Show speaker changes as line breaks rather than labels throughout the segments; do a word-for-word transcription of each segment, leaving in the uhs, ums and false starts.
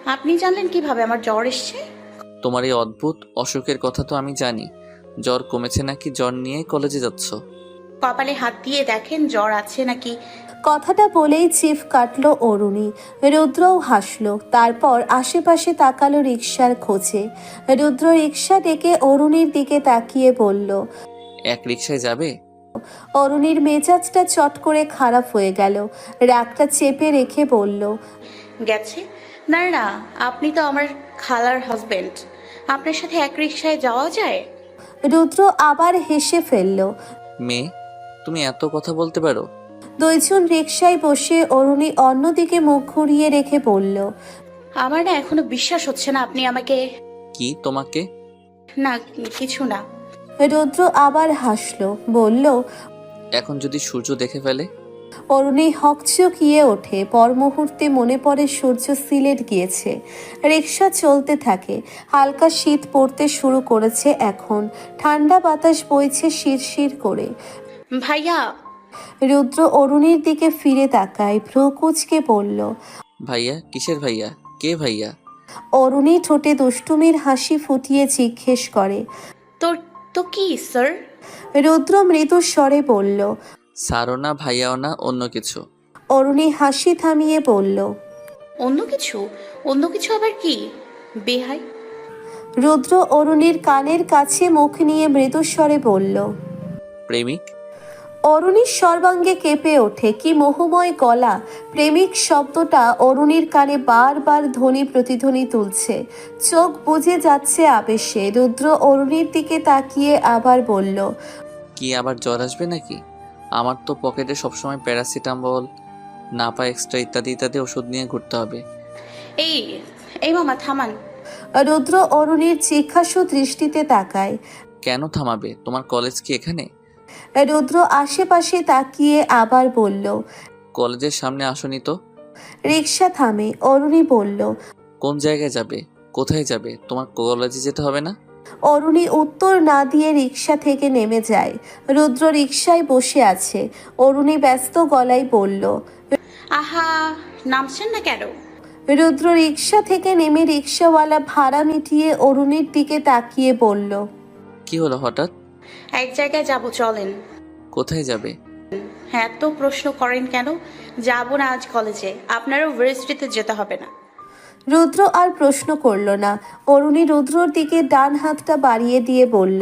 আপনি জানলেন কিভাবে আমার জ্বর এসছে?
তোমার এই অদ্ভুত অসুখের কথা তো আমি জানি। জ্বর কমেছে নাকি জ্বর নিয়ে কলেজে যাচ্ছ?
কপালে হাত দিয়ে দেখেন জ্বর আছে নাকি।
কথাটা বলেই চিফ কাটল অরুণী। রুদ্রও হাসলো, তারপর আশেপাশে তাকালো রিকশার খোঁজে। রুদ্র রিকশা ডেকে অরুণীর দিকে তাকিয়ে বলল।
এক রিকশায় যাবে?
অরুণীর মেজাজটা চট করে খারাপ হয়ে গেল। রাগটা চেপে রেখে বলল,
গেছে। না না, আপনি তো আমার খালার হাজবেন্ড, আপনার সাথে এক রিকশায় যাওয়া যায়?
রুদ্র আবার হেসে ফেলল।
মেয়ে, তুমি এত কথা বলতে পারো?
দুইজন রিকশায় বসে অরুণী অন্যদিকে মুখ ঘুরিয়ে রেখে বলল,
আমার না এখনো বিশ্বাস হচ্ছে না আপনি আমাকে।
কি তোমাকে?
না কিছু না।
রুদ্র আবার হাসলো, বলল,
এখন যদি সূর্য দেখে ফেলে?
অরুণী হকচকিয়ে ওঠে। পর মুহূর্তে মনে পড়ে সূর্য সিলেট গিয়েছে। রিকশা চলতে থাকে। হালকা শীত পড়তে শুরু করেছে এখন। ঠান্ডা বাতাস বইছে শিরশির করে।
ভাইয়া।
রুদ্র অরুণীর দিকে ফিরে তাকায়, ভ্রু কুঁচকে বলল,
ভাইয়া? কিসের ভাইয়া? কে ভাইয়া?
অরুণী ঠোঁটে দুষ্টুমির হাসি ফুটিয়ে জিজ্ঞেস করে।
তোর তো কি স্যার?
রুদ্র মৃদু স্বরে বলল।
সারও না, ভাইয়াও না, অন্য কিছু।
অরুণী হাসি থামিয়ে বলল,
অন্য কিছু? অন্য কিছু আবার কি? বেহাই।
রুদ্র অরুণীর কানের কাছে মুখ নিয়ে মৃদুস্বরে বলল।
প্রেমিক?
অরুণীর সর্বাঙ্গে কেঁপে ওঠে। কি মোহময় গলা! প্রেমিক শব্দটা অরুণীর কানে বারবার ধ্বনি প্রতিধ্বনি তুলছে। চোখ বুজে যাচ্ছে আবেশে। রুদ্র অরুণীর দিকে তাকিয়ে আবার বলল,
কি আবার জ্বর আসবে নাকি? আমার তো পকেটে সবসময় প্যারাসিটামল, নাপা এক্সট্রা ইত্যাদি ইত্যাদি ওষুধ নিয়ে ঘুরতে হবে।
এই এই মামা থামান।
রুদ্র অরুণীর জিজ্ঞাসু দৃষ্টিতে তাকায়।
কেন থামাবে? তোমার কলেজ কি এখানে?
রুদ্র আশেপাশে তাকিয়ে আবার বলল।
কলেজের সামনে আসনি তো?
রিকশা থামে। অরুণী বলল,
কোন জায়গায় যাবে? কোথায় যাবে? তোমার কলেজে যেতে হবে না?
অরুণী উত্তর না দিয়ে রিকশা থেকে নেমে যায়। রুদ্র রিকশায় বসে আছে। অরুণী ব্যস্ত গলায় বলল,
আহা, নামছেন না কেন?
রুদ্র রিকশা থেকে নেমে রিকশাওয়ালা ভাড়া মিটিয়ে অরুণীর দিকে তাকিয়ে বলল,
কি হলো হঠাৎ?
এক জায়গায় যাব, চলেন।
কোথায় যাবে?
হ্যাঁ, এত প্রশ্ন করেন কেন? যাব না আজ কলেজে, আপনারও ভার্সিটিতে যেতে হবে না।
রুদ্র আর প্রশ্ন করল না। অরুণী রুদ্রর দিকে ডান হাতটা বাড়িয়ে দিয়ে বলল,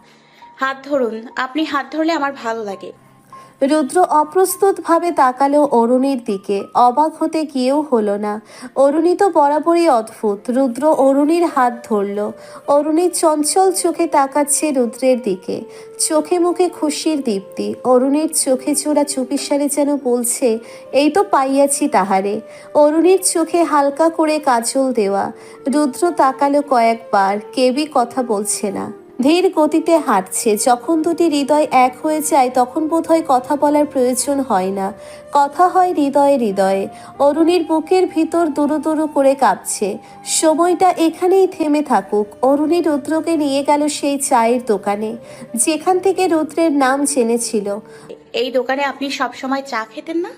হাত ধরুন। আপনি হাত ধরলে আমার ভালো লাগে।
রুদ্র অপ্রস্তুতভাবে তাকালো অরুণীর দিকে। অবাক হতে গিয়েও হলো না। অরুণী তো বরাবরই অদ্ভুত। রুদ্র অরুণীর হাত ধরল। অরুণী চঞ্চল চোখে তাকাচ্ছে রুদ্রের দিকে। চোখে মুখে খুশির দীপ্তি। অরুণীর চোখে চোরা চুপিসারে যেন বলছে, এই তো পাইয়াছি তাহারে। অরুণীর চোখে হালকা করে কাজল দেওয়া। রুদ্র তাকালো কয়েকবার, কেউই কথা বলছে না। ধীর গতিতে হাঁটছে। যখন দুটি হৃদয় এক হয়ে যায় তখন বোধহয় কথা বলার প্রয়োজন হয় না, কথা হয় হৃদয়ে হৃদয়ে। অরুণীর বুকের ভিতর দুরু দুরু করে কাঁপছে। সময়টা এখানেই থেমে থাকুক। অরুণী রুদ্রকে নিয়ে গেল সেই চায়ের দোকানে, যেখান থেকে রুদ্রের নাম জেনেছিল।
এই দোকানে আপনি সব সময় চা খেতেন না?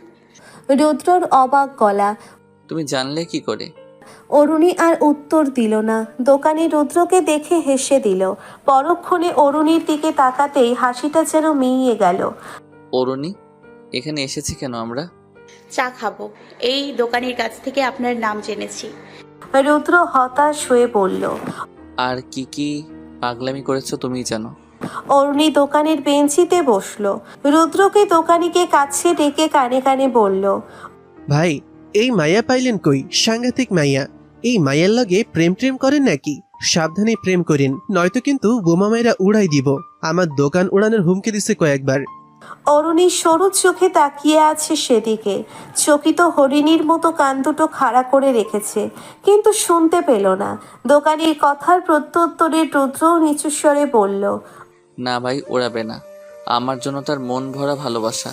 রুদ্রর অবাক গলা।
তুমি জানলে কি করে?
অরুণী আর উত্তর দিল না। দোকানি রুদ্রকে দেখে হেসে দিল। পরক্ষণে অরুণীর দিকে তাকাতেই হাসিটা যেন মিইয়ে গেল।
অরুণী, এখানে এসেছি কেন আমরা?
চা খাবো। এই দোকানের কাছ থেকে আপনার নাম জেনেছি।
রুদ্র হতাশ হয়ে বলল।
আর কি কি পাগলামি করেছো তুমিই জানো।
অরুণী দোকানের বেঞ্চিতে বসলো। রুদ্রকে দোকানিকে কাছে ডেকে কানে কানে বলল,
ভাই, এই মাইয়া পাইলেন কই? সাংঘাতিক মাইয়া। এই মাইয়ার লগে প্রেম প্রেম করেন নাকি? সাবধানে প্রেম করেন, নয়তো কিন্তু বোমা মাইরা উড়াই দিব। আমার দোকান উড়ানোর হুমকি দিছে কয়েকবার।
অরুণী সরু চোখে তাকিয়ে আছে সেদিকে। চকিত হরিণীর মতো কান দুটো খাড়া করে রেখেছে, কিন্তু শুনতে পেল না। দোকানির কথার প্রত্যুত্তরে রুদ্রও নিচু স্বরে বলল,
না ভাই, ওড়াবে না। আমার জন্য তার মন ভরা ভালোবাসা।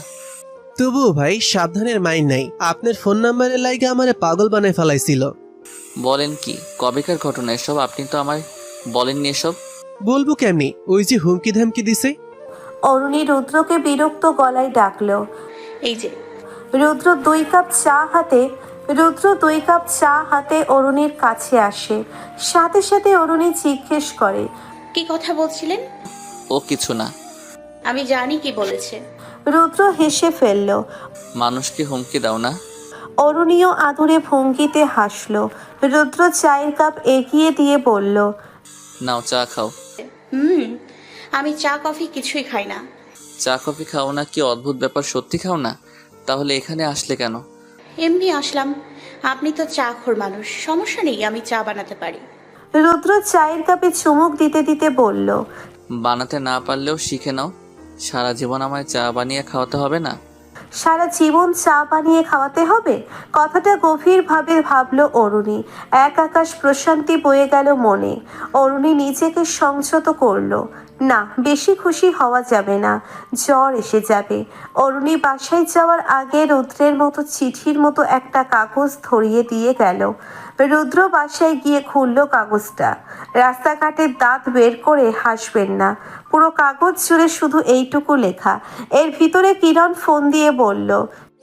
তবুও ভাই, সাবধানের মাইন নাই। আপনার ফোন নাম্বারের লাইগে আমারে পাগল বানায় ফেলাইছিল।
বলেন কি? কবেকার ঘটনা এসব? আপনি তো আমায় বলেননি এসব।
বলবো কেমনি? ওই যে হুমকি ধামকি দিছে।
অরুণী রুদ্রকে বিরক্ত গলায় ডাকলো।
এই যে।
রুদ্র দুই কাপ চা হাতে রুদ্র দুই কাপ চা হাতে অরুণীর কাছে আসে। সাথে সাথে অরুণী জিজ্ঞেস করে,
কি কথা বলছিলেন?
ও কিছু না।
আমি জানি কি বলেছে।
রুদ্র হেসে ফেলল।
মানুষকে হুমকি দাও না।
অরুণীও আদুরে ভঙ্গিতে হাসল। রুদ্র চায়ের কাপ এগিয়ে দিয়ে বলল,
নাও চা খাও।
হুম, আমি চা কফি কিছুই খাই না।
চা কফি খাও না? কি অদ্ভুত ব্যাপার, সত্যি খাও না? তাহলে এখানে আসলে কেন?
এমনি আসলাম। আপনি তো চা খোর মানুষ, সমস্যা নেই, আমি চা বানাতে পারি।
রুদ্র চায়ের কাপে চুমুক দিতে দিতে বলল,
বানাতে না পারলেও শিখে নাও। সারা জীবন আমায় চা বানিয়ে খাওয়াতে হবে না।
সারা জীবন চা বানিয়ে খাওয়াতে হবে? কথাটা গভীরভাবে ভাবল অরুণী। এক আকাশ প্রশান্তি বয়ে গেল মনে। অরুণী নিজেকে সংযত করল। না, বেশি খুশি হওয়া যাবে না, জ্বর এসে যাবে। অরুণী বাসায় যাওয়ার আগে রুদ্রের মতো চিঠির মতো একটা কাগজ ধরিয়ে দিয়ে গেল। রুদ্র বাসায় গিয়ে খুলল কাগজটা। রাস্তাঘাটের দাঁত বের করে হাসবেন না। পুরো কাগজ জুড়ে শুধু এইটুকু লেখা। এর ভিতরে কিরণ ফোন দিয়ে বলল,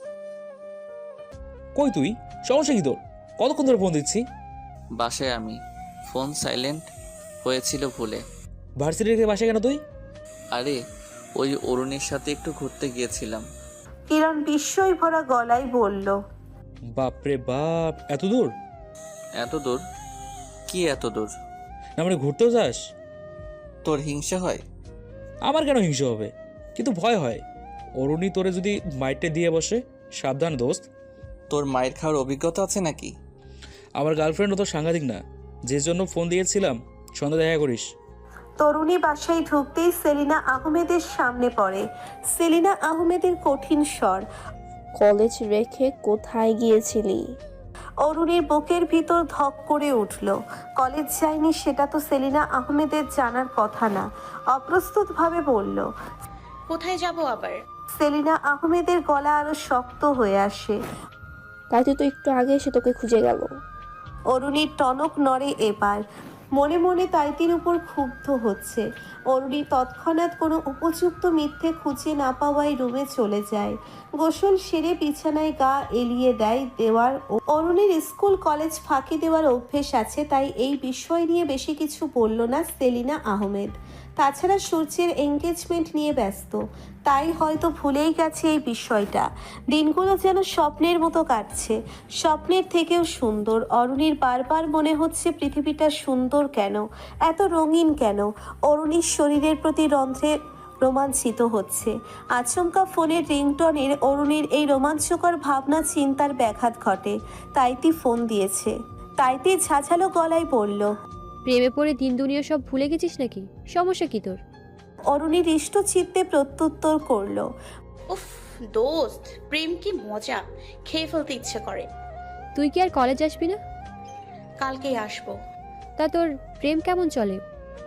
কই তুই? সমস্যা কি তোর? কতক্ষণ ধরে ফোন দিচ্ছি?
বাসায় আমি, ফোন সাইলেন্ট হয়েছিল ভুলে।
ভার্সিটি রেখে বাসায় কেন তুই?
আরে ওই অরুণের সাথে একটু ঘুরতে গিয়েছিলাম।
কিরণ বিস্ময় ভরা গলায় বলল,
বাপরে বাপ, এত দূর?
এত দূর? কি এত দূর?
না মানে ঘুরতেও যাস?
তোর হিংসা হয়?
আমার কেন হিংসা হবে, কিন্তু ভয় হয়। অরুণী তোরে যদি মাইটে দিয়ে বসে, সাবধান দোস্ত।
তোর মায়ের খাওয়ার অভিজ্ঞতা আছে নাকি?
আমার গার্লফ্রেন্ডও তো সাংঘাতিক না, যে জন্য ফোন দিয়েছিলাম। সন্ধ্যা দেখা করিস।
তরুণী বাসায় ঢুকতেই সেলিনা আহমেদের সামনে পড়ে। সেলিনা আহমেদের কঠিন স্বর।
কলেজ রেখে কোথায় গিয়েছিলি?
অরুণীর বুকের ভিতর ধক করে উঠল। কলেজ যায়নি সেটা তো সেলিনা আহমেদের জানার কথা না। অপ্রস্তুতভাবে বলল।
কোথায় যাব আবার?
সেলিনা আহমেদের গলা আরো শক্ত হয়ে আসে।
তাই তো একটু আগে এসে তোকে খুঁজে গেল।
অরুণীর টনক নড়ে এবার। মনে মনে তাইতির উপর ক্ষুব্ধ হচ্ছে। অরুণী তৎক্ষণাৎ কোনো উপযুক্ত মিথ্যে খুঁজে না পাওয়ায় রুমে চলে যায়। গোসল সেরে বিছানায় গা এলিয়ে দেয় দেওয়ার। অরুণীর স্কুল কলেজ ফাঁকি দেওয়ার অভ্যেস আছে, তাই এই বিষয় নিয়ে বেশি কিছু বলল না সেলিনা আহমেদ। তাছাড়া সূর্যের এঙ্গেজমেন্ট নিয়ে ব্যস্ত, তাই হয়তো ভুলেই গেছে এই বিষয়টা। দিনগুলো যেন স্বপ্নের মতো কাটছে, স্বপ্নের থেকেও সুন্দর। অরুণীর বারবার মনে হচ্ছে পৃথিবীটা সুন্দর কেন, এত রঙিন কেন। অরুণীর শরীরের প্রতি রন্ধ্রে রোমাঞ্চিত হচ্ছে। আচমকা ফোনের রিংটনের অরুণীর এই রোমাঞ্চকর ভাবনা চিন্তার ব্যাঘাত ঘটে। তাইতি ফোন দিয়েছে। তাইতি ঝাঝালো গলায় বলল,
প্রেমে পড়ে দিন দুনিয়া সব ভুলে গেছিস নাকি? সমস্যা কি তোর?
অরুণী হৃষ্ট চিত্তে প্রত্যুত্তর করল,
উফ দোস্ত, প্রেম কি মজা, খেয়ে ফেলতে ইচ্ছে করে।
তুই কি আর কলেজ আসবি না?
কালকেই আসবো।
তা তোর প্রেম কেমন চলে?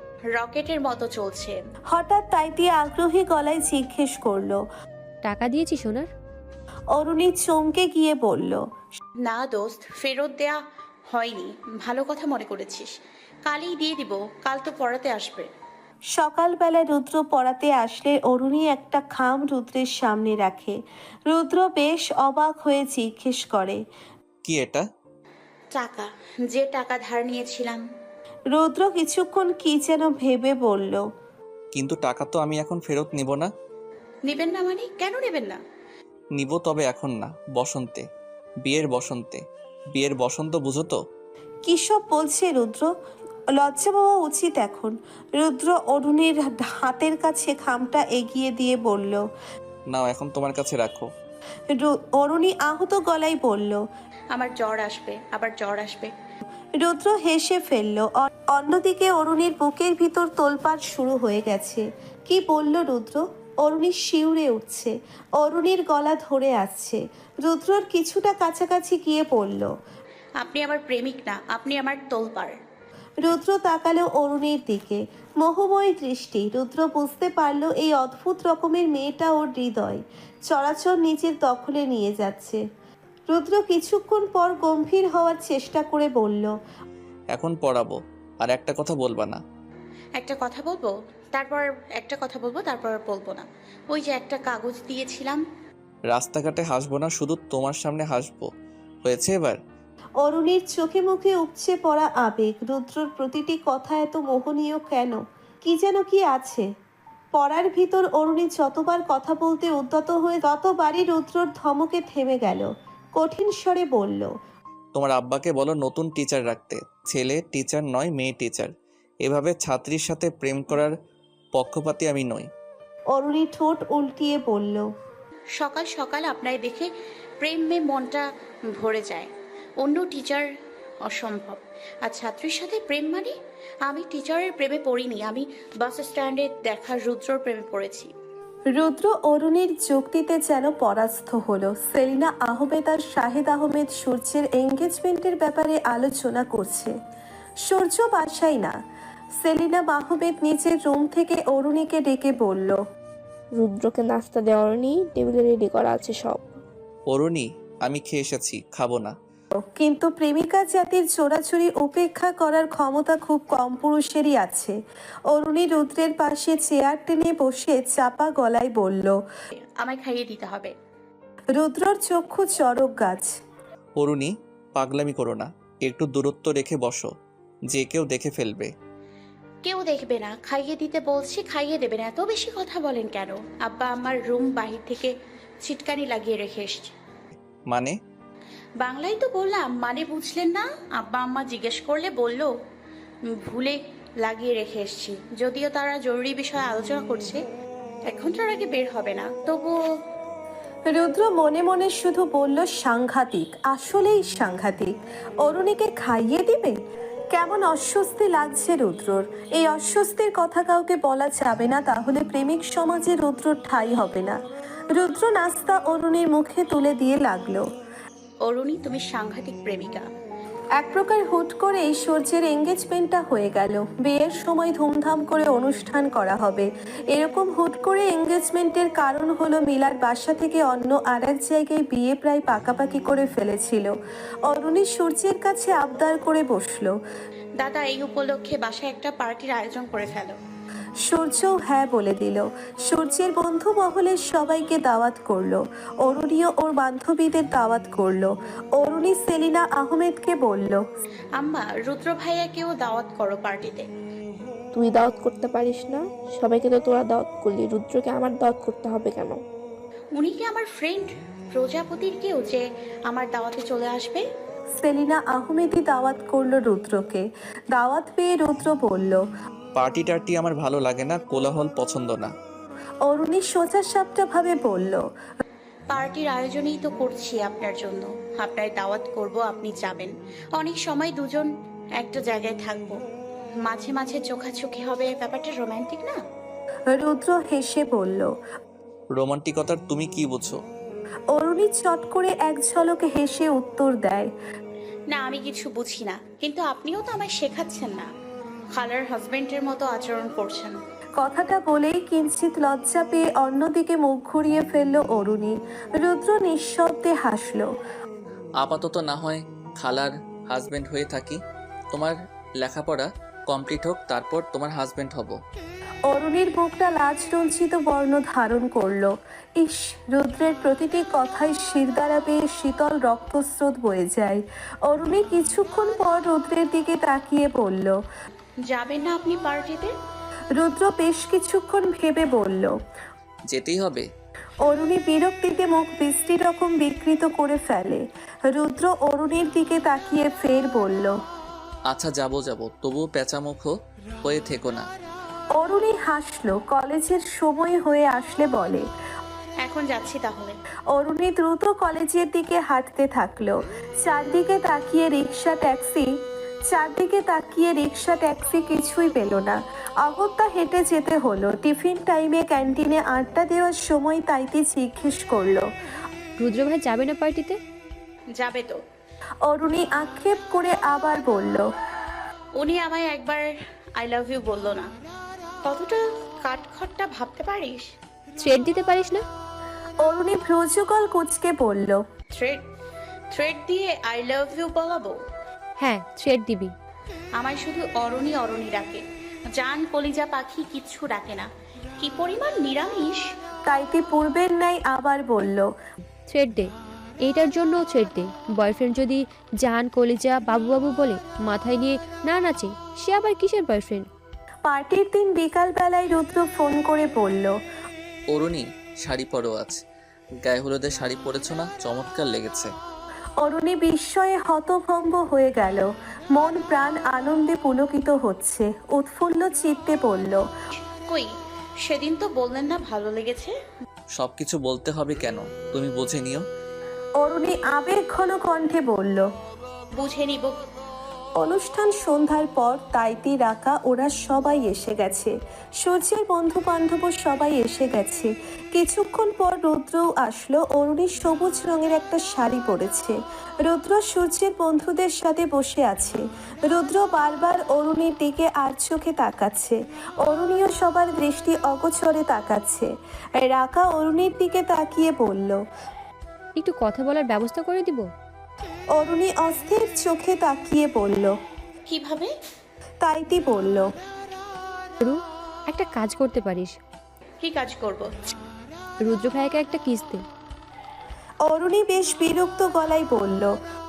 রকেটের মতো চলছে।
হঠাৎ তাইতি আগ্রহী গলায় জিজ্ঞেস করলো।
টাকা দিয়েছি সোনার?
অরুণী চমকে গিয়ে বলল,
না দোস্ত, ফেরত দেয়া হয়নি। ভালো কথা মনে করেছিস, কালই দিয়ে দিব। কাল তো পড়াতে আসবে।
সকালবেলা রুদ্র পড়াতে আসলে অরুণী একটা খাম রুদ্রের সামনে রাখে। রুদ্র বেশ অবাক হয়ে জিজ্ঞেস করে,
কি এটা?
টাকা, যে টাকা ধার নিয়েছিলাম।
রুদ্র কিছুক্ষণ কি যেন ভেবে বলল,
কিন্তু টাকা তো আমি এখন ফেরত নিব না।
নেবেন না মানে? কেন নেবেন না?
নিব, তবে এখন না, বসন্তে, বিয়ের বসন্তে। বিয়ের বসন্ত বুঝো তো?
কি সব বলছে রুদ্র? লজ্জা পাওয়া উচিত এখন। রুদ্র অরুণীর হাতের কাছে খামটা এগিয়ে দিয়ে বলল।
নাও, এখন তোমার কাছে রাখো।
রু- অরুণী আহত গলায় বলল।
আমার জ্বর আসবে, আবার জ্বর আসবে।
রুদ্র হেসে ফেলল। অ- অন্যদিকে অরুণীর বুকের ভিতর তোলপাড় শুরু হয়ে গেছে। কি বলল রুদ্র? অরুণী শিউরে উঠছে। অরুণীর গলা ধরে আসছে। রুদ্রর কিছুটা কাছাকাছি গিয়ে পড়ল।
আপনি আমার প্রেমিক না, আপনি আমার তোলপাড়।
রুদ্র তাকালো অরুণীর দিকে, মোহময় দৃষ্টি। রুদ্র বুঝতে পারল এই অদ্ভুত রকমের মেয়েটা ওর হৃদয় চরাচর নিজের দখলে নিয়ে যাচ্ছে। রুদ্র কিছুক্ষণ পর গম্ভীর হওয়ার চেষ্টা করে বলল,
এখন পড়াবো, আর একটা কথা বলবা না।
একটা কথা বলবো, তারপর একটা কথা বলবো, তারপর আর বলবো না। ওই যে একটা কাগজ দিয়েছিলাম।
রাস্তাঘাটে হাসবো না, শুধু তোমার সামনে হাসবো। হয়েছে এবার?
অরুণীর চোখে মুখে উপচে পড়া আবেগ, রুদ্রর প্রতিটি কথা এত মোহনীয় কেন? কি যেন কি আছে পড়ার ভিতর। অরুণী যতবার কথা বলতে উদ্যত হয়ে ততবারই রুদ্রর ধমকে থেমে গেল। কঠিন স্বরে বলল,
তোমার আব্বাকে বলো নতুন টিচার রাখতে। ছেলে টিচার নয়, মেয়ে টিচার। এভাবে ছাত্রীর সাথে প্রেম করার পক্ষপাতী আমি নই।
অরুণী ঠোঁট উল্টিয়ে বলল,
সকাল সকাল আপনায় দেখে প্রেমে মনটা ভরে যায়। অন্য টিচার অসম্ভব। আর ছাত্রীর সাথে প্রেম মানে? আমি টিচারের প্রেমে পড়িনি, আমি বাস স্ট্যান্ডে দেখা রুদ্রর প্রেমে পড়েছি।
রুদ্র অরুণীর যুক্তিতে যেন পরাস্ত হলো। সেলিনা আহমেদ আর শাহেদ আহমেদ সূর্যের এঙ্গেজমেন্টের ব্যাপারে আলোচনা করছে। সূর্য বাসায় না। সেলিনা আহমেদ নিচের রুম থেকে অরুণীকে ডেকে বলল,
রুদ্রকে নাস্তা দেওয়ার নেই, টেবিলে রেডি করা আছে সব।
অরুণী, আমি খেয়ে এসেছি, খাবো না।
কিন্তু প্রেমিকা জাতির চোরাচুরি উপেক্ষা করার ক্ষমতা খুব কম পুরুষেরই আছে। অরুণী রুদ্রের পাশে চেয়ার টেনে বসে চাপা গলায় বলল,
আমায় খাইয়ে দিতে হবে।
রুদ্রর চক্ষু চড়ক গাছ।
অরুণী, পাগলামি করো না, একটু দূরত্ব রেখে বসো, যে কেউ দেখে ফেলবে।
কেউ দেখবে না, খাইয়ে দিতে বলছি, খাইয়ে দেবেন। এত বেশি কথা বলেন কেন? আব্বা আমার রুম বাহির থেকে ছিটকানি লাগিয়ে রেখে এসছে।
মানে?
বাংলায় তো বললাম, মানে বুঝলেন না? আব্বা আম্মা জিজ্ঞেস করলে বলল ভুলে লাগিয়ে রেখে এসছি। যদিও তারা জরুরি বিষয়ে আলোচনা করছে, এক ঘন্টার আগে বের হবে না, তবুও।
রুদ্র মনে মনে শুধু বলল, সাংঘাতিক, আসলেই সাংঘাতিক। অরুণীকে খাইয়ে দিবে? কেমন অস্বস্তি লাগছে রুদ্রর। এই অস্বস্তির কথা কাউকে বলা যাবে না, তাহলে প্রেমিক সমাজে রুদ্রর ঠাঁই হবে না। রুদ্র নাস্তা অরুণীর মুখে তুলে দিয়ে লাগলো,
অরুণী, তুমি সাংঘাতিক প্রেমিকা।
এক প্রকার হুট করে সূর্যের এঙ্গেজমেন্টটা হয়ে গেল। বিয়ের সময় ধুমধাম করে অনুষ্ঠান করা হবে, এরকম হুট করে এঙ্গেজমেন্টের কারণ হলো মিলার বাসা থেকে অন্য আর এক জায়গায় বিয়ে প্রায় পাকাপাকি করে ফেলেছিল। অরুণী সূর্যের কাছে আবদার করে বসলো,
দাদা, এই উপলক্ষে বাসায় একটা পার্টির আয়োজন করে ফেলো।
সূর্যও হ্যাঁ বলে দিল। সূর্যের বন্ধু মহলের সবাইকে দাওয়াত করলো। অরুণীও ওর বান্ধবীদের দাওয়াত করলো। অরুণী সেলিনা আহমেদকে বলল,
আম্মা, রুদ্র ভাইয়াকেও দাওয়াত করো পার্টিতে।
তুই দাওয়াত করতে পারিস না? সবাইকে তো তোরা দাওয়াত করলি, রুদ্রকে আমার দাওয়াত করতে হবে কেন?
উনি কি আমার ফ্রেন্ড প্রজাপতির কেউ যে আমার দাওয়াতে চলে আসবে?
সেলিনা আহমেদই দাওয়াত করলো রুদ্রকে। দাওয়াত পেয়ে রুদ্র বলল,
পার্টি টার্টি আমার ভালো লাগে না, কোলাহল পছন্দ না।
অরুণী সোজা সাপটা ভাবে বলল,
পার্টির আয়োজনই তো করছি আপনার জন্য। আপনার দাওয়াত করব, আপনি যাবেন। অনেক সময় দুজন একটা জায়গায় থাকবো, মাঝে মাঝে চোখাচোখি হবে, ব্যাপারটা রোমান্টিক না?
রুদ্র হেসে বলল।
রোমান্টিকতার তুমি কি বুঝো?
অরুণী চট করে এক ঝলকে হেসে উত্তর দেয়,
না, আমি কিছু বুঝি না, কিন্তু আপনিও তো আমায় শেখাচ্ছেন না। খালার হাজবেন্ডের মতো আচরণ করছেন।
কথাটা বলেই কিঞ্চিত লজ্জা পেয়ে অন্যদিকে মুখ ঘুরিয়ে ফেলল অরুণী। রুদ্র নিঃশব্দে হাসল।
আপাতত না হয় খালার হাজবেন্ড হয়ে থাকি, তোমার লেখাপড়া কমপ্লিট হোক, তারপর তোমার হাজবেন্ড হব।
অরুণীর মুখটা লাজ রঞ্জিত বর্ণ ধারণ করলো। ইস, রুদ্রের প্রতিটি কথায় শিরদাঁড়া বেয়ে শীতল রক্তস্রোত বয়ে যায়। অরুণী কিছুক্ষণ পর রুদ্রের দিকে তাকিয়ে বলল,
যাবেন না আপনি পার্টিতে?
রুদ্র বেশ কিছুক্ষণ ভেবে বলল,
যেতেই হবে।
অরুণী বিরক্তিতে মুখ বৃষ্টি রকম বিকৃত করে ফেলে। রুদ্র অরুণীর দিকে তাকিয়ে ফের বলল,
আচ্ছা যাবো যাবো, তবুও পেঁচামুখ হয়ে থেকো না।
অরুণী হাসলো। কলেজের সময় হয়ে আসলে বলে,
এখন যাচ্ছি তাহলে।
অরুণী দ্রুত কলেজের দিকে হাঁটতে থাকলো। চারদিকে তাকিয়ে রিক্সা ট্যাক্সি চারদিকে তাকিয়ে রিক্সা ট্যাক্সি কিছুই পেল না। অগত্যা হেঁটে যেতে হলো। টিফিন টাইমে ক্যান্টিনে আড্ডা দেওয়ার সময় তাইতে জিজ্ঞেস করলো,
রুদ্র ভাই যাবে না পার্টিতে?
যাবে তো।
অরুণী আক্ষেপ করে আবার বলল,
উনি আমায় একবার আই লাভ ইউ বললো না। কতটা কাঠখট্টা ভাবতে পারিস?
থ্রেড দিতে পারিস না?
অরুণী ভ্রুযুগল কুচকে বলল,
থ্রেড থ্রেড দিয়ে আই লাভ ইউ বলাবো?
হ্যাঁ, থ্রেড দিবি।
আমায় শুধু অরণি অরণি ডাকে, জান কলিজা পাখি কিচ্ছু ডাকে না। কি পরিমাণ নিরামিষ!
তাইতে পূর্বের ন্যায় আবার বলল,
থ্রেড দে। এইটার জন্য ছেড়ে দে। বয়ফ্রেন্ড যদি জান কলিজা বাবু বাবু বলে মাথায় নিয়ে না নাচে, সে আবার কিসের বয়ফ্রেন্ড?
পার্টির দিন বিকালবেলায় রুদ্র ফোন করে বলল,
অরুণী, শাড়ি পরো আজ। গায়ে হলুদের শাড়ি পরেছো না, চমৎকার লেগেছে।
অরুণী বিস্ময়ে হতভম্ব হয়ে গেল। মন প্রাণ আনন্দে পুলকিত হচ্ছে, উৎফুল্ল চিত্তে পড়ল।
কই, সেদিন তো বললেন না ভালো লেগেছে।
সব কিছু বলতে হবে কেন, তুমি বুঝে নিও।
অরুণী আবেগ ঘন কণ্ঠে বলল।
বুঝে নিব।
অনুষ্ঠান সন্ধ্যার পর তাইতি রাকা ওরা সবাই এসে গেছে। সূর্যের বন্ধু বান্ধব সবাই এসে গেছে। কিছুক্ষণ পর রুদ্রও আসলো। অরুণী সবুজ রঙের একটা শাড়ি পরেছে। রুদ্র সূর্যের বন্ধুদের সাথে বসে আছে। রুদ্র বারবার অরুণীর দিকে আর চোখে তাকাচ্ছে। অরুণীও সবার দৃষ্টি অগোচরে তাকাচ্ছে। রাকা অরুণীর দিকে তাকিয়ে বলল,
একটু কথা বলার ব্যবস্থা করে দিব।
অরুণী অস্থির চোখে তাকিয়ে বলল।
কিভাবে?
তাইতি বলল,
রু, একটা কাজ করতে পারিস।
কি কাজ করব?
রুদ্র ভাইকে একটা কিস দে।
অরুণী বেশ বিরক্ত গলায় বলল,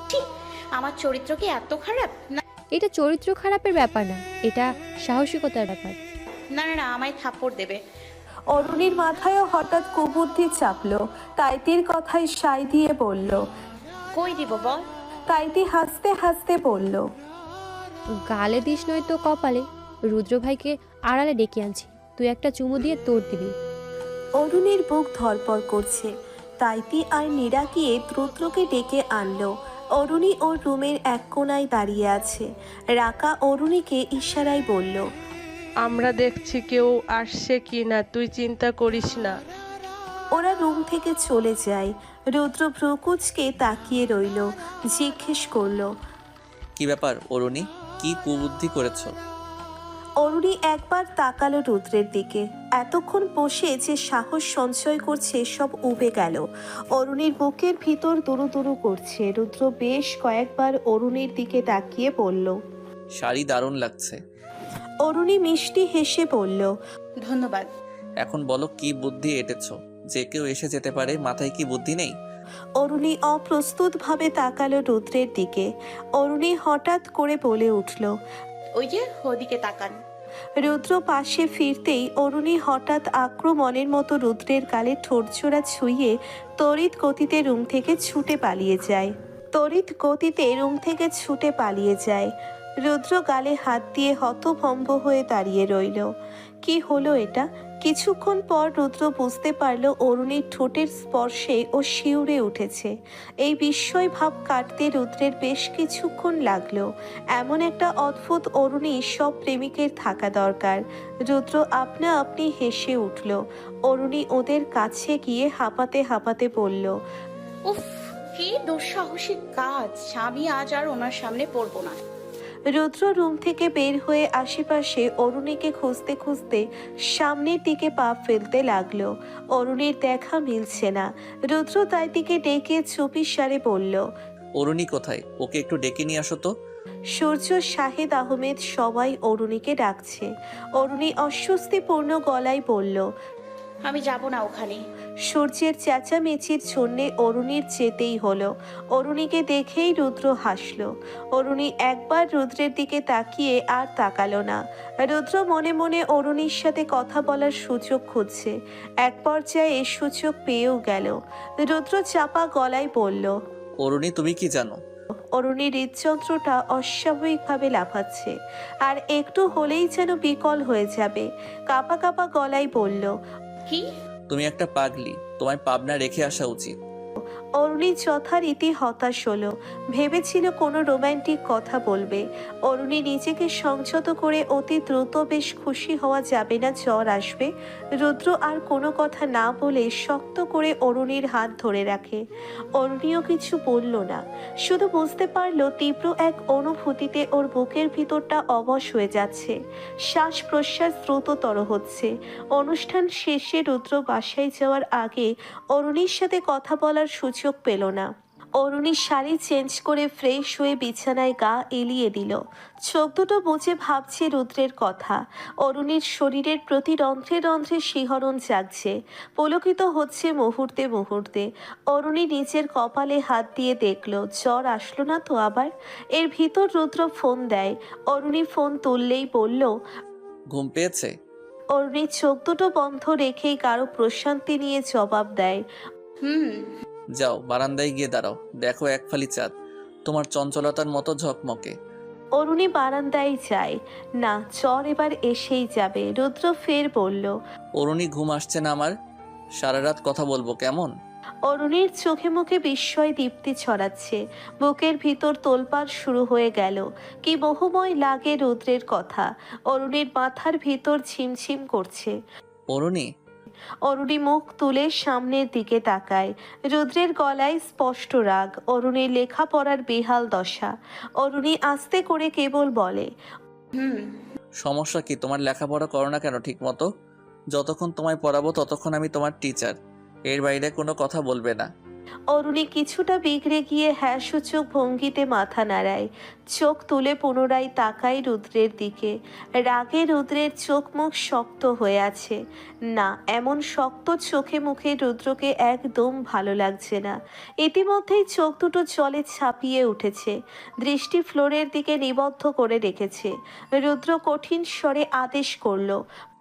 আমার চরিত্র কি এত খারাপ? না
এটা চরিত্র খারাপের ব্যাপার না, এটা সাহসিকতার ব্যাপার।
না না, আমায় থাপ্পড় দেবে।
অরুণীর মাথায়ও হঠাৎ কুবুদ্ধি চাপলো। তাইতির কথায় সায় দিয়ে বলল।
কই দিব বল?
তাইতি হাসতে হাসতে বলল,
গালে দিস নয় তো কপালে। রুদ্র ভাইকে আড়ালে ডেকে আনছি, তুই একটা চুমু দিয়ে তোর দিবি।
অরুণীর বুক ধরপড় করছে। তাইতি আর নীরা গিয়ে রুদ্রকে ডেকে আনলো। অরুণী ওর রুমের এক কোণায় দাঁড়িয়ে আছে। রাকা অরুণীকে ইশারায় বলল,
আমরা দেখছি কেউ আসছে কি না, তুই চিন্তা করিস না।
ওরা রুম থেকে চলে যায়। রুদ্র ভ্রুকুচকে তাকিয়ে রইল। জিজ্ঞেস করলো,
কি ব্যাপার অরুণী, কি কুবুদ্ধি করেছো?
অরুণী একবার তাকালো রুদ্রের দিকে। এতক্ষণ বসে যে সাহস সঞ্চয় করছে সব উবে গেল। অরুণীর বুকের ভিতর দুরু দুরু করছে। রুদ্র বেশ কয়েকবার অরুণীর দিকে তাকিয়ে বলল।
শাড়ি দারুণ লাগছে।
অরুণী মিষ্টি হেসে বলল,
ধন্যবাদ।
এখন বলো কি বুদ্ধি এঁটেছো? যে কেউ এসে যেতে পারে, মাথায় কি বুদ্ধি নেই?
অরুণী অপ্রস্তুতভাবে তাকালো রুদ্রের দিকে। অরুণী হঠাৎ করে বলে উঠল।
ওই যে ওদিকে তাকান।
রুদ্র পাশে ফিরতেই অরুণী হঠাৎ আক্রমণের মতো রুদ্রের গালে ঠোঁটছোড়া ছুঁয়ে তড়িৎ গতিতে রুম থেকে ছুটে পালিয়ে যায়। তড়িৎ গতিতে রুম থেকে ছুটে পালিয়ে যায়। রুদ্র গালে হাত দিয়ে হতভম্ব হয়ে দাঁড়িয়ে রইল। কি হলো এটা? কিছুক্ষণ পর রুদ্র বুঝতে পারল অরুণীর ঠোঁটের স্পর্শে ও শিউরে উঠেছে। এই বিস্ময় ভাব কাটতে রুদ্রের বেশ কিছুক্ষণ লাগলো। এমন একটা অদ্ভুত অরুণী সব প্রেমিকের থাকা দরকার। রুদ্র আপনা আপনি হেসে উঠল। অরুণী ওদের কাছে গিয়ে হাঁপাতে হাঁপাতে বলল,
উফ, কি দুঃসাহসিক কাজ। আমি আজ আর ওনার সামনে পড়বো না।
রুদ্র রুম থেকে বের হয়ে আশেপাশে অরুণীকে খুঁজতে খুঁজতে সামনের দিকে পা ফেলতে লাগলো। অরুণীর দেখা মিলছে না। রুদ্র তাই দিকে ডেকে চুপি সারে বলল,
অরুণী কোথায়? ওকে একটু ডেকে নিয়ে আসো তো।
সূর্য, শাহেদ আহমেদ সবাই অরুণীকে ডাকছে। অরুণী অস্বস্তিপূর্ণ গলায় বলল,
আমি যাব না ওখানে।
সূর্যের চেঁচামেচির জন্যে অরুণীর যেতেই হলো। অরুণীকে দেখেই রুদ্র হাসলো। অরুণী একবার রুদ্রের দিকে তাকিয়ে আর তাকালো না। রুদ্র মনে মনে অরুণীর সাথে কথা বলার সুযোগ খুঁজছে। এক পর্যায়ে এ সুযোগ পেয়েও গেল। রুদ্র চাপা গলায় বলল,
অরুণী, তুমি কি জানো?
অরুণীর হৃদযন্ত্রটা অস্বাভাবিকভাবে লাফাচ্ছে। আর একটু হলেই যেন বিকল হয়ে যাবে। কাঁপা কাঁপা গলায় বলল,
কি?
তুমি একটা পাগলি, তোমায় পাবনা রেখে আসা উচিত।
অরুণী যথারীতি হতাশ হলো। ভেবেছিল কোনো রোমান্টিক কথা বলবে। অরুণী নিজেকে সংযত করে অতি দ্রুত বেশ খুশি হওয়া যাবে না, জ্বর আসবে। রুদ্র আর কোনো কথা না বলে শক্ত করে অরুণীর হাত ধরে রাখে। অরুণীও কিছু বলল না, শুধু বুঝতে পারলো তীব্র এক অনুভূতিতে ওর বুকের ভিতরটা অবশ হয়ে যাচ্ছে। শ্বাস প্রশ্বাস দ্রুততর হচ্ছে। অনুষ্ঠান শেষে রুদ্র বাসায় যাওয়ার আগে অরুণীর সাথে কথা বলার সুযোগ পেল না। অরুণী শাড়ি চেঞ্জ করে ফ্রেশ হয়ে বিছানায় গা এলিয়ে দিল। চোখ দুটো বুজে ভাবছে রুদ্রের কথা। অরুণীর শরীরের প্রতি রন্ধ্রে রন্ধ্রে শিহরণ জাগছে, পুলকিত হচ্ছে মুহূর্তে মুহূর্তে। অরুণী নিজের কপালে হাত দিয়ে দেখল জ্বর আসলো না তো আবার। এর ভিতর রুদ্র ফোন দেয়। অরুণী ফোন তুললেই বলল,
ঘুম পেয়েছে?
অরুণী চোখ দুটো বন্ধ রেখেই কারো প্রশান্তি নিয়ে জবাব দেয়,
হুম।
যাও বারান্দায় গিয়ে দাঁড়াও, দেখো এক ফালি চাঁদ তোমার চঞ্চলতার মতো ঝকমকে।
অরুণী বারান্দায় যায়। না, জ্বর এবার এসেই যাবে। রুদ্র ফের বলল,
অরুণী ঘুম আসছে না আমার, সারা রাত কথা বলবো কেমন?
অরুণীর চোখে মুখে বিস্ময় দীপ্তি ছড়াচ্ছে। বুকের ভিতর তোলপাড় শুরু হয়ে গেল। কি বহুময় লাগে রুদ্রের কথা। অরুণীর মাথার ভিতর ঝিমঝিম করছে।
অরুণী,
অরুণী মুখ তুলে সামনের দিকে তাকায়। রুদ্রের গলায় স্পষ্ট রাগ। অরুণীর লেখাপড়ার বেহাল দশা। অরুণী আস্তে করে কেবল বলে,
হুম।
সমস্যা কি? তোমার লেখাপড়া করো না কেন ঠিক মতো? যতক্ষণ তোমায় পড়াবো ততক্ষণ আমি তোমার টিচার, এর বাইরে কোনো কথা বলবে না।
অরুণী কিছুটা বিগড়ে গিয়ে হ্যাঁ সূচক ভঙ্গিতে মাথা নাড়ায়। চোখ তুলে পুনরায় তাকায় রুদ্রের দিকে। রাগে রুদ্রের চোখ মুখ শক্ত হয়ে আছে। না, এমন শক্ত চোখে মুখে রুদ্রকে একদম ভালো লাগছে না। ইতিমধ্যেই চোখ দুটো জলে ছাপিয়ে উঠেছে। দৃষ্টি ফ্লোরের দিকে নিবদ্ধ করে রেখেছে। রুদ্র কঠিন স্বরে আদেশ করলো,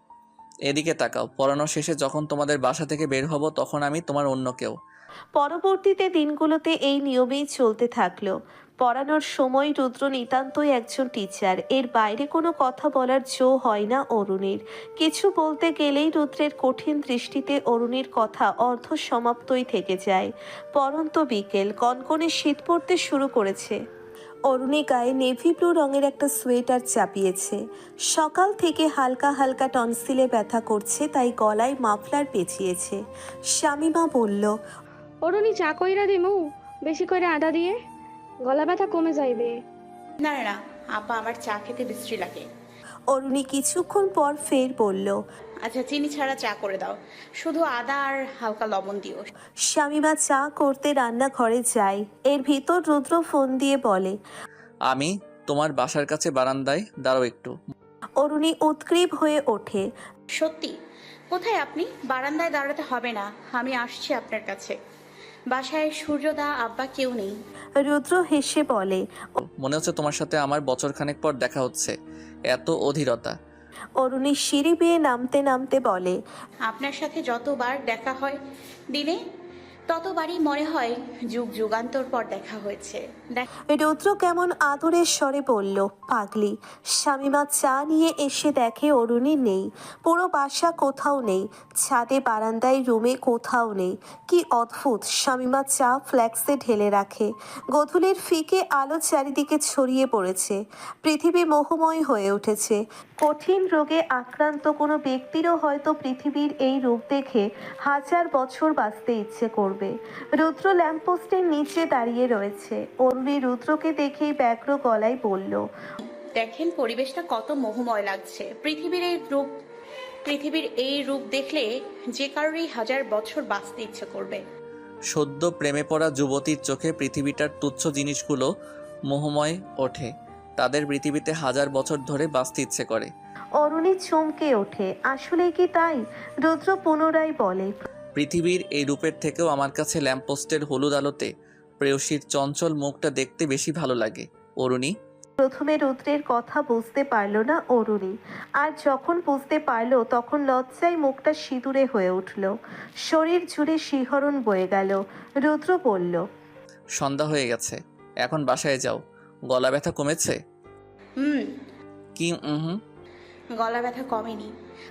এদিকে তাকাও। পড়ানো শেষে যখন তোমাদের বাসা থেকে বের হব তখন আমি তোমার অন্য কেউ।
পরবর্তীতে দিনগুলোতে এই নিয়মেই চলতে থাকলো। পড়ানোর সময় রুদ্র নিতান্তই একজন টিচার, এর বাইরে কোনো কথা বলার জো হয় না অরুণীর। কিছু বলতে গেলেই রুদ্রের কঠিন দৃষ্টিতে অরুণীর কথা অর্ধ সমাপ্তই থেকে যায়। পরন্ত বিকেল, কনকনে শীত পড়তে শুরু করেছে। অরুণী গায়ে নেভি ব্লু রঙের একটা সোয়েটার চাপিয়েছে। সকাল থেকে হালকা হালকা টনসিলে ব্যথা করছে, তাই গলায় মাফলার পেঁচিয়েছে। শামিমা বলল,
অরুণী চা কইরা দিমু, বেশি করে আদা দিয়ে, গলা ব্যথা কমে যাইবে।
না না না, আপা আমার চা খেতে বিশ্রী লাগে।
অরুণী কিছুক্ষণ পর ফের বলল,
আচ্ছা চিনি ছাড়া চা করে দাও, শুধু আদা আর হালকা লবণ দিও।
শামিমা চা করতে রান্নাঘরে যায়। এর ভিতর রুদ্র ফোন দিয়ে বলে,
আমি তোমার বাসার কাছে বারান্দায়, দাঁড়াও একটু।
অরুণী উৎগ্রীব হয়ে ওঠে।
সত্যি? কোথায় আপনি? বারান্দায় দাঁড়াতে হবে না, আমি আসছি আপনার কাছে। বাসায় সূর্যদা আব্বা কেউ নেই।
রুদ্র হেসে বলে,
মনে হচ্ছে তোমার সাথে আমার বছরখানেক পর দেখা হচ্ছে, এত অধীরতা।
অরুণী সিঁড়ি বেয়ে নামতে নামতে বলে,
আপনার সাথে যতবার দেখা হয় দিনে, ততবারই মনে হয় যুগ যুগান্তর পর দেখা হয়েছে। দেখ-
রুদ্র কেমন আদরের স্বরে বলল, পাগলি। শামিমা চা নিয়ে এসে দেখে অরুণী নেই। পুরো বাসা কোথাও নেই, ছাদে বারান্দায় রুমে কোথাও নেই। কি অদ্ভুত। শামিমা চা ফ্ল্যাক্সে ঢেলে রাখে। গোধূলির ফিকে আলো চারিদিকে ছড়িয়ে পড়েছে। পৃথিবী মোহময় হয়ে উঠেছে। কঠিন রোগে আক্রান্ত কোনো ব্যক্তিরও হয়তো পৃথিবীর এই রূপ দেখে হাজার বছর বাঁচতে ইচ্ছে করবে। রুদ্র ল্যাম্পপোস্টের নিচে দাঁড়িয়ে রয়েছে। অরুণী রুদ্রকে দেখেই ব্যগ্র গলায় বলল,
দেখেন পরিবেশটা কত মোহময় লাগছে। পৃথিবীর এই রূপ পৃথিবীর এই রূপ দেখলে যে কারোরই হাজার বছর বাঁচতে ইচ্ছে করবে।
সদ্য প্রেমে পড়া যুবতীর চোখে পৃথিবীটার তুচ্ছ জিনিসগুলো মোহময় ওঠে, তাদের পৃথিবীতে হাজার বছর ধরে বাঁচতে ইচ্ছে করে।
অরুণী চমকে ওঠে। আসলে কি তাই? রুদ্র পুনরায় বলে,
পৃথিবীর এই রূপের থেকেও আমার কাছে ল্যাম্পপোস্টের হলুদ আলোতে প্রেয়সীর চঞ্চল মুখটা দেখতে বেশি ভালো লাগে। অরুণী,
প্রথমে রুদ্রের কথা বুঝতে পারল না অরুণী। আর যখন বুঝতে পারল তখন লজ্জায় মুখটা সিঁদুরে হয়ে উঠল। শরীর জুড়ে শিহরণ বয়ে গেল। রুদ্র বলল,
সন্ধ্যা হয়ে গেছে, এখন বাসায় যাও। গলা ব্যথা কমেছে?
হুম।
কি হুম?
গলা ব্যথা কমেনি।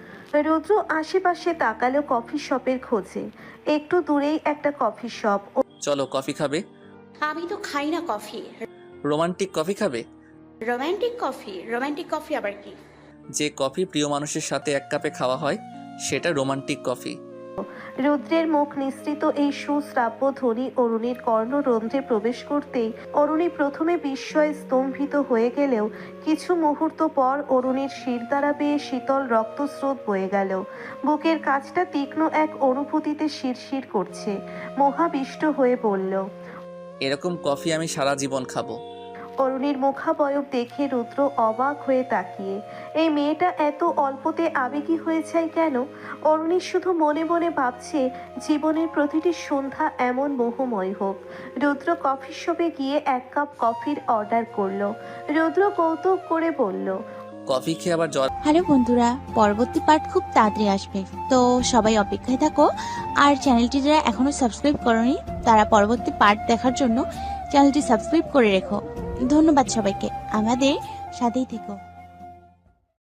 রুদ্র আশেপাশে তাকালো কফি শপের খোঁজে। একটু দূরেই একটা কফি শপ।
চলো কফি খাবে।
আমি তো খাই না কফি।
রোমান্টিক কফি খাবে?
Romantic coffee? রোমান্টিক কফি আবার কি?
যে কফি প্রিয় মানুষের সাথে এক কাপে খাওয়া হয় সেটা রোমান্টিক কফি।
রুদ্রের মুখ নিঃসৃত এই সুশ্রাব্য ধ্বনি অরুণীর কর্ণরন্ধ্রে প্রবেশ করতেই অরুণী প্রথমে বিস্ময়ে স্তম্ভিত হয়ে গেলেও কিছু মুহূর্ত পর অরুণীর শিরদাঁড়া বেয়ে শীতল রক্তস্রোত বয়ে গেল। বুকের কাছটা তীক্ষ্ণ এক অনুভূতিতে শিরশির করছে। মোহাবিষ্ট হয়ে বলল,
এরকম কফি আমি সারা জীবন খাবো।
অরুণীর মুখাবয়ব দেখে রুদ্র অবাক হয়ে তাকিয়ে, এই মেয়েটা এত অল্পতে আবেগী হয়ে যায় কেন? অরুণী শুধু মনে মনে ভাবছে জীবনের প্রতিটি সন্ধ্যা এমন মোহময় হোক। রুদ্র কফি শপে গিয়ে এক কাপ কফির অর্ডার করলো। রুদ্র কৌতুক করে বলল,
কফি খেয়ে আবার জ্বর।
হ্যালো বন্ধুরা, পরবর্তী পার্ট খুব তাড়াতাড়ি আসবে, তো সবাই অপেক্ষায় থাকো। আর চ্যানেলটি যারা এখনো সাবস্ক্রাইব করনি তারা পরবর্তী পার্ট দেখার জন্য চ্যানেলটি সাবস্ক্রাইব করে রেখো। ধন্যবাদ সবাইকে, আমাদের সাথেই থেকো।